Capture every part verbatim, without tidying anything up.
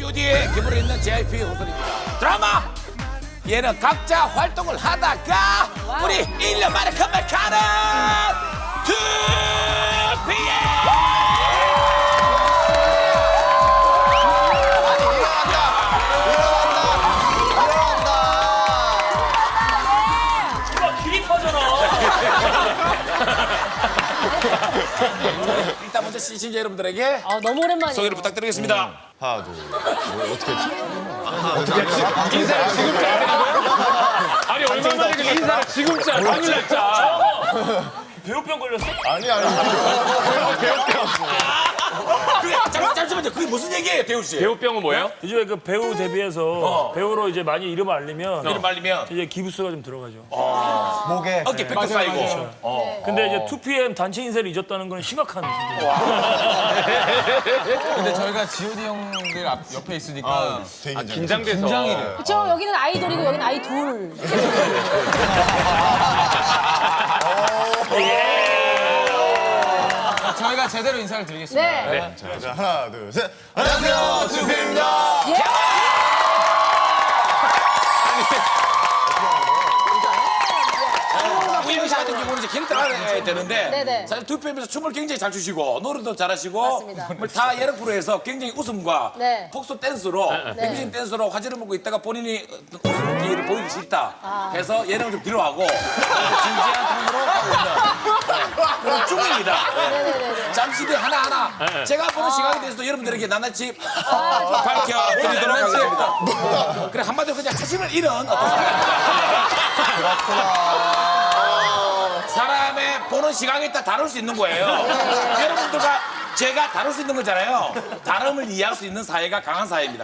지오디에 기부를 있는 제이아이피 호선입니다. 드라마 얘는 각자 활동을 하다가 우리 일 년 만에 컴백하는 투피엠. 일단 먼저 시청자 여러분들에게 아, 너무 오랜만이에요. 소개를 부탁드리겠습니다. 하나, 둘, 뭐 어떻게 했지? 인사를 지금 짜. 아니 얼마 만에 그 인사를 지금 짜. 당일날 짜. 배우병 걸렸어? 아니, 아니. 그래, 잠, 잠시만요. 그게 무슨 얘기예요, 대우 씨? 배우병은 뭐예요? 요즘에 그 배우 데뷔해서 어. 배우로 이제 많이 이름을 알리면 이름 말리면 이제 기부수가 좀 들어가죠. 목에. 어깨 뺏겨 쌓이고. 어. 근데 이제 투피엠 단체 인사를 잊었다는 건 심각한 수준. 근데 저희가 지오디 형들 앞, 옆에 있으니까 되게 긴장돼서. 긴장이래요. 그쵸? 여기는 아이돌이고 여기는 아이 둘. 저희가 제대로 인사를 드리겠습니다. 네. 자, 하나, 둘, 셋. 안녕하세요, 투피엠입니다. 우영 씨 같은 경우는 이제 캐릭터가 해야 되는데 네네. 사실 투피엠에서 춤을 굉장히 잘 추시고 노래도 잘하시고 맞습니다. 정말 다 여러 프로에서 굉장히 웃음과 네. 폭소 댄스로 뮤직 댄스로 화제를 먹고 있다가 본인이 어떤 웃음기를 보이기 싫다 해서 예능을 좀 뒤로하고 진지한 톤으로 하고 있는 그런 중입니다. 네네네. 잠시 뒤에 하나하나 제가 보는 시각에 대해서도 여러분들에게 낱낱이 밝혀드리도록 하겠습니다. 그래 한마디로 그냥 자신을 잃은 어떤 사람입니다. 사람의 보는 시각에 따라 다룰 수 있는 거예요. 여러분들과 제가 다룰 수 있는 거잖아요. 다름을 이해할 수 있는 사회가 강한 사회입니다.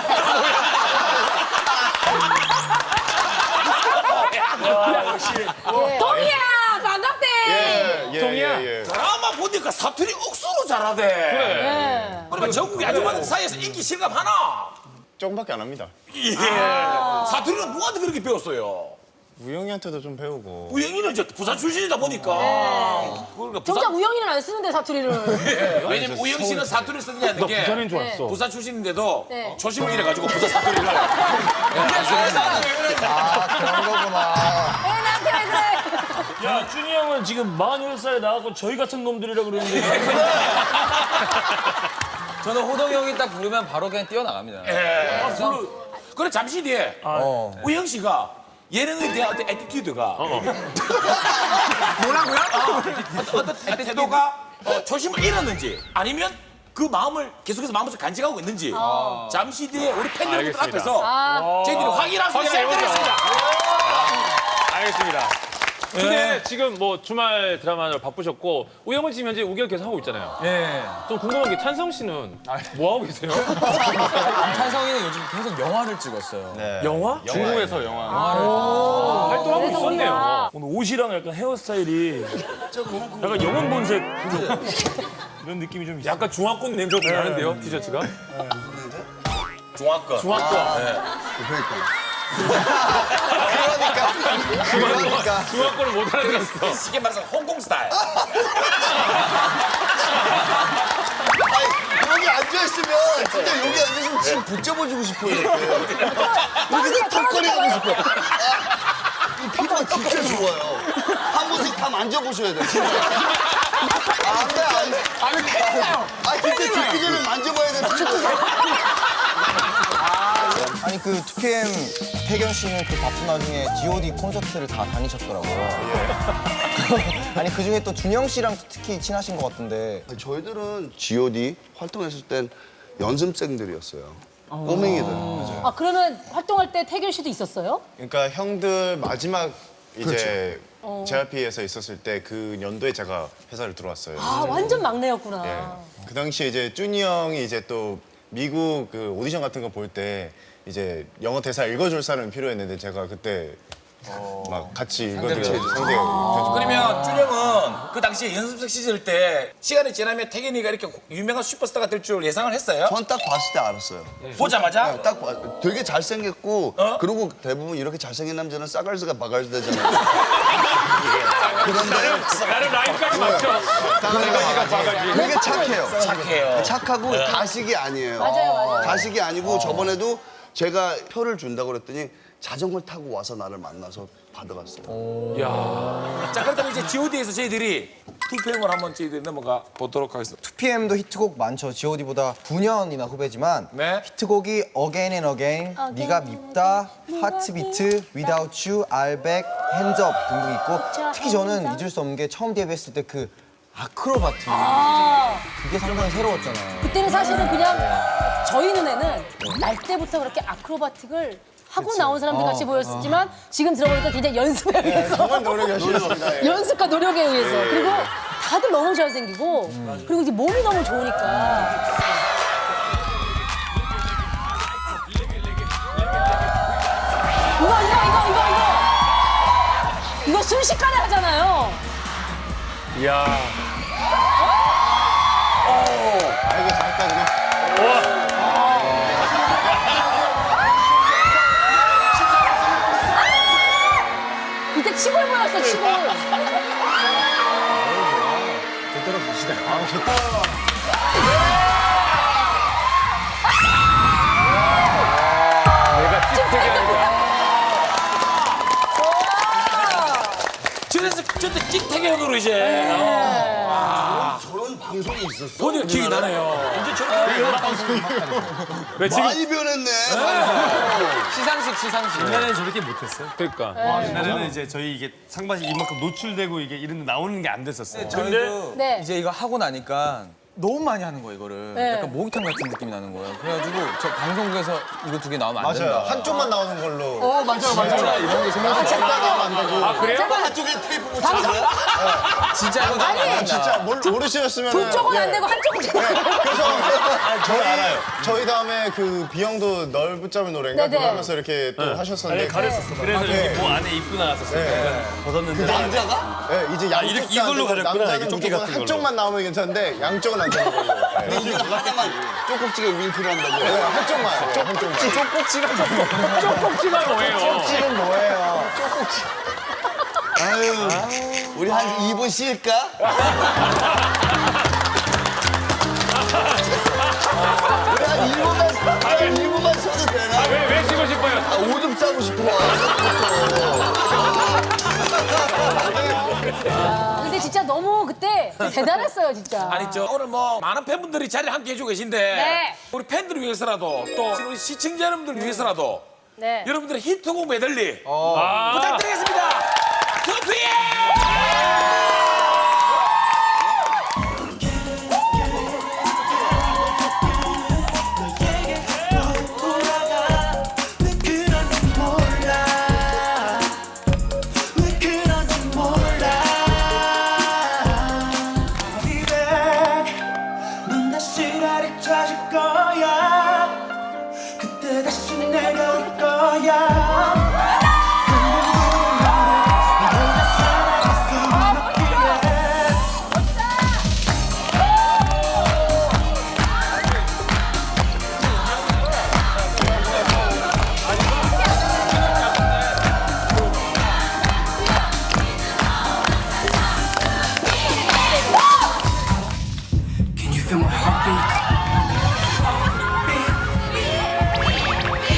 동이야 반갑대. 예, 예, 동이야. 예, 예. 드라마 보니까 사투리 억수로 잘하대. 네. 그러니까 전국의 아줌마들 사이에서 인기 실감하나? 조금밖에 안 합니다. 예. 사투리는 누구한테 그렇게 배웠어요? 우영이한테도 좀 배우고. 우영이는 이제 부산 출신이다 보니까. 그러니까 부산, 정작 우영이는 안 쓰는데 사투리를. 왜냐면 우영 씨는 사투리를 쓰느냐는 게 부산인 줄 알았어. 부산 출신인데도 네. 초심을 잃어가지고 부산 사투리를. 그런 거구나. 왜 나한테 왜 그래? 야, 준이 형은 지금 마흔여덟 살에 나가고 저희 같은 놈들이라 그러는데. 저는 호동이 형이 딱 부르면 바로 그냥 뛰어나갑니다. 예. 그래 잠시 뒤에 어. 우영 씨가 예능에 대한 어떤 에티튜드가 뭐라고요? 어, 어떤, 어떤 태도가 어, 초심을 잃었는지 아니면 그 마음을 계속해서 마음에서 간직하고 있는지 잠시 뒤에 우리 팬 여러분들 알겠습니다. 앞에서 아. 저희들이 확인할 수 있게 확인해보죠. 해드리겠습니다. 알겠습니다. 근데 지금 뭐 주말 드라마로 바쁘셨고 우영은 지금 현재 우결 계속 하고 있잖아요. 예. 좀 궁금한 게 찬성 씨는 뭐 하고 계세요? 찬성이는 요즘 계속 영화를 찍었어요. 네. 영화? 중국에서 영화. 활동하고 그래서 있었네요. 우리가- 오늘 옷이랑 약간 헤어스타일이 약간 영혼 본색 이런 느낌이 좀 있어요. 약간 중화권 냄새가 나는데요, 티셔츠가? 중화권. 중화권. 그러니까. 중화권을 못 알아들었어. 쉽게 말해서 홍콩 스타일. 아니, 여기 앉아있으면, 진짜 여기 앉아있으면 지금 붙잡아주고 싶어요, 이렇게. 여기서 턱걸이하고 싶어요. 아, 이 피부가 진짜 좋아요. 한 번씩 다 만져보셔야 돼요, 진짜. 아, 안 돼, 안 돼. 아니, 괜찮아요. 아, 진짜 듣기 전에 만져봐야 돼, 진짜. 아니 그 투피엠 태견 씨는 그 바쁜 와중에 지오디 콘서트를 다 다니셨더라고요. 아니 그 중에 또 준영 씨랑 특히 친하신 것 같은데. 저희들은 지오디 활동했을 땐 연습생들이었어요. 꼬맹이들. 아 그러면 활동할 때 태균 씨도 있었어요? 그러니까 형들 마지막 이제 제이알피에서 있었을 때 그 연도에 제가 회사를 들어왔어요. 아 완전 막내였구나. 예. 그 당시에 이제 쭈니 형이 이제 또 미국 그 오디션 같은 거 볼 때 이제 영어 대사 읽어줄 사람이 필요했는데 제가 그때 막 같이 이거를 상대하고. 그러면 준영은 그 당시에 연습생 시절 때 시간이 지나면 태균이가 이렇게 유명한 슈퍼스타가 될 줄 예상을 했어요? 전 딱 봤을 때 알았어요. 보자마자? 네, 딱 봐. 되게 잘생겼고 어? 그리고 대부분 이렇게 잘생긴 남자는 싸갈스가 바갈스 되잖아요. 그런데 나는 라인까지 맞춰. 되게 착해요. 착해요. 착하고 가식이 아니에요. 맞아요, 맞아요. 가식이 아니고 저번에도 제가 표를 준다고 그랬더니 자전거를 타고 와서 나를 만나서 받아갔어요. 자, 그렇다면 이제 지오디에서 저희들이 투표행을 한번 저희들이 넘어가 보도록 하겠습니다. 투피엠도 히트곡 많죠. 지오디보다 구 년이나 후배지만 네. 히트곡이 Again and Again, 네가 밉다, 하트비트, Without You, 알백, 핸즈업 등등 있고 특히 저는 잊을 수 없는 게 처음 데뷔했을 때 그 아크로바트 그게 상당히 새로웠잖아요. 그때는 사실은 그냥 저희 눈에는 날 때부터 그렇게 아크로바틱을 하고 나온 사람들 같이 보였지만 지금 들어보니까 굉장히 연습에 의해서 정말 노력하시겠습니다. 연습과 노력에 의해서 그리고 다들 너무 잘생기고 그리고 이제 몸이 너무 좋으니까 이거 이거 이거 이거 이거 이거 순식간에 하잖아요. 이야. 아, 이거 잠깐만요. 이때 치골 보였어 치골. 내가 찝되게 하는 거야. 저래서 저때 찍태견으로 이제 어, 저런 방송이 있었어. 본인 기억이 나네요. 이제 저렇게 왜 지금 많이 변했네. 시상식 시상식. 옛날에는 저렇게 못했어요. 그러니까. 옛날에는 이제 저희 이게 상반신 이만큼 노출되고 이게 이런 데 나오는 게 안 됐었어요. 저희도 네. 이제 이거 하고 나니까 너무 많이 하는 거예요 이거를. 네. 약간 목욕탕 같은 느낌이 나는 거예요. 그래가지고 저 방송국에서 이거 두 개 나오면 안 된다. 맞아요. 한쪽만 나오는 걸로. 어 맞아요 맞아요. 이런 게 생각이 한쪽만 안 되고. 아, 그래요? 한쪽에 테이프 붙여서 진짜 이거 나오면 안 된다. 진짜 몰, 모르시겠으면. 두 쪽은 안 되고 한쪽은 되고. 그래서 저희 알아요. 저희 다음에 그 비영도 널 붙잡은 노래인가 네네. 그거 하면서 이렇게 또 하셨었는데. 아니, 가렸었어. 그래서 이렇게 뭐 안에 입고 나갔었어요. 그러니까 벗었는데. 남자가? 네, 이제 양쪽 이렇게 이걸로 가렸구나. 남자는 이게 조끼 무조건 같은 걸로. 한쪽만 나오면 괜찮은데 양쪽은 안 되는 걸로. 네. 근데 우리가 하나만 쪼꼭지게 윙크를 한다고. 네, 한쪽만. 네, 한쪽만. 쪽꼭지가 뭐예요? 지금 뭐예요? 아유, 우리 한 이 분 쉴까? 우리 한 이 분만, 한 이 분만 쉬어도 되나? 왜, 왜 쉬고 싶어요? 아, 오줌 싸고 싶어. 근데 진짜 너무 그때 대단했어요 진짜. 아니 저 오늘 뭐 많은 팬분들이 자리를 함께 해주고 계신데 네. 우리 팬들을 위해서라도 또 우리 시청자 여러분들 위해서라도 네. 여러분들의 히트곡 메들리 아, 부탁드리겠습니다. 투피엠! 넌 다시 나를 찾을 거야. 그때 다시 내려올 거야. Can you feel my heartbeat?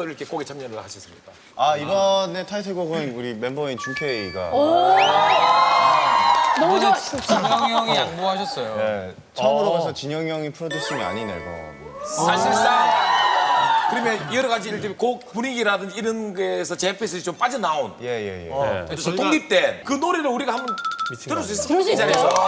이렇게 곡에 참여를 하셨습니까? 아 이번에 타이틀곡은 우리 멤버인 준케이가 너무 좋아. 진영이 형이 양보하셨어요. 네, 처음으로 가서 진영이 형이 프로듀싱이 아닌 앨범. 사실상 그러면 여러 가지 예를 들면 곡 분위기라든지 이런 거에서 제페스이 좀 빠져나온 예예 예. 어, 좀 독립된 그 노래를 우리가 한번 들을 수 있을까요? 들을 수 이 있어요. 자리에서.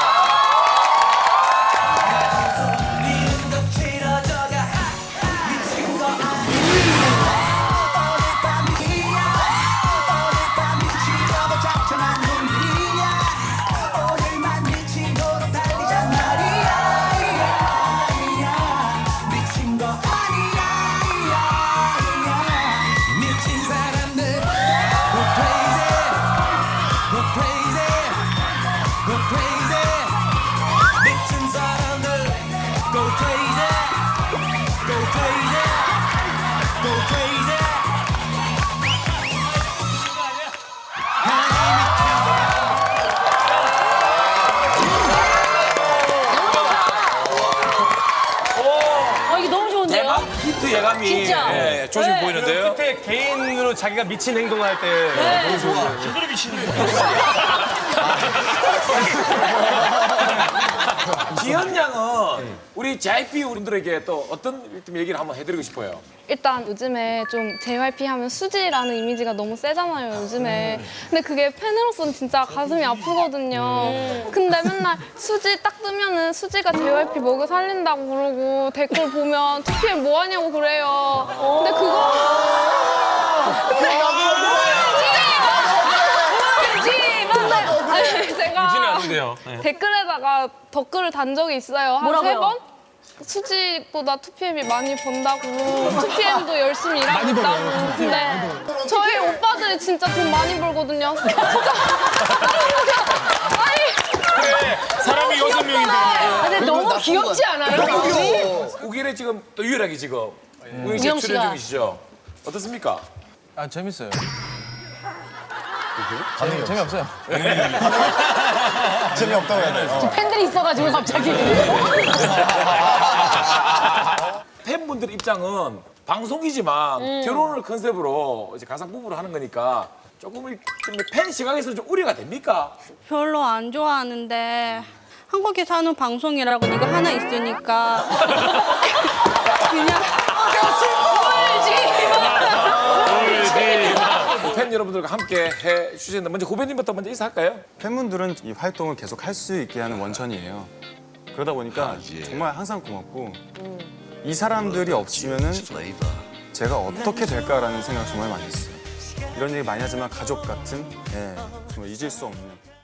아, 이게 너무 좋은데요? 대박 히트 예감이 진짜. 예, 조심 네. 보이는데요. 그때 개인으로 자기가 미친 행동할 때 너무 좋은 제대로 미치는 거. 기현 양은 우리 제이아이피 분들에게 또 어떤 좀 얘기를 한번 해드리고 싶어요. 일단 요즘에 좀 제이와이피 하면 수지라는 이미지가 너무 세잖아요, 요즘에. 근데 그게 팬으로서는 진짜 가슴이 아프거든요. 근데 맨날 수지 딱 뜨면은 수지가 제이와이피 먹여 살린다고 그러고 댓글 보면 투피엠 뭐 하냐고 그래요. 근데 그거. 근데 우지! 맞아요. 아니, 제가 유진이 아닌데요. 네. 댓글에다가 덧글을 단 적이 있어요. 한 뭐라고요? 세 번? 수지보다 투피엠이 많이 번다고 투피엠도 열심히 일하고 있다고. 근데 저희 오빠들이 진짜 돈 많이 벌거든요. 진짜. 아니 그래, 사람이 여섯 명인데. 아, 근데 너무 귀엽지 않아요? 마음이? 우길에 지금 또 유일하게 지금 우영 우영 씨 씨가. 출연 중이시죠? 어떻습니까? 아 재밌어요. 재미, 재미없어요. 재미없다고 해야 돼요. 팬들이 있어가지고 갑자기. 팬분들 입장은 방송이지만 음. 결혼을 컨셉으로 이제 가상 부부를 하는 거니까 조금 팬 시각에서는 좀 우려가 됩니까? 별로 안 좋아하는데 한국에 사는 방송이라고 이거 하나 있으니까 그냥 팬 여러분들과 함께 해 주시는데 먼저 후배님부터 먼저 인사할까요? 팬분들은 이 활동을 계속 할 수 있게 하는 원천이에요. 그러다 보니까 정말 항상 고맙고 이 사람들이 없으면은 제가 어떻게 될까라는 생각 정말 많이 했어요. 이런 얘기 많이 하지만 가족 같은 예, 정말 잊을 수 없는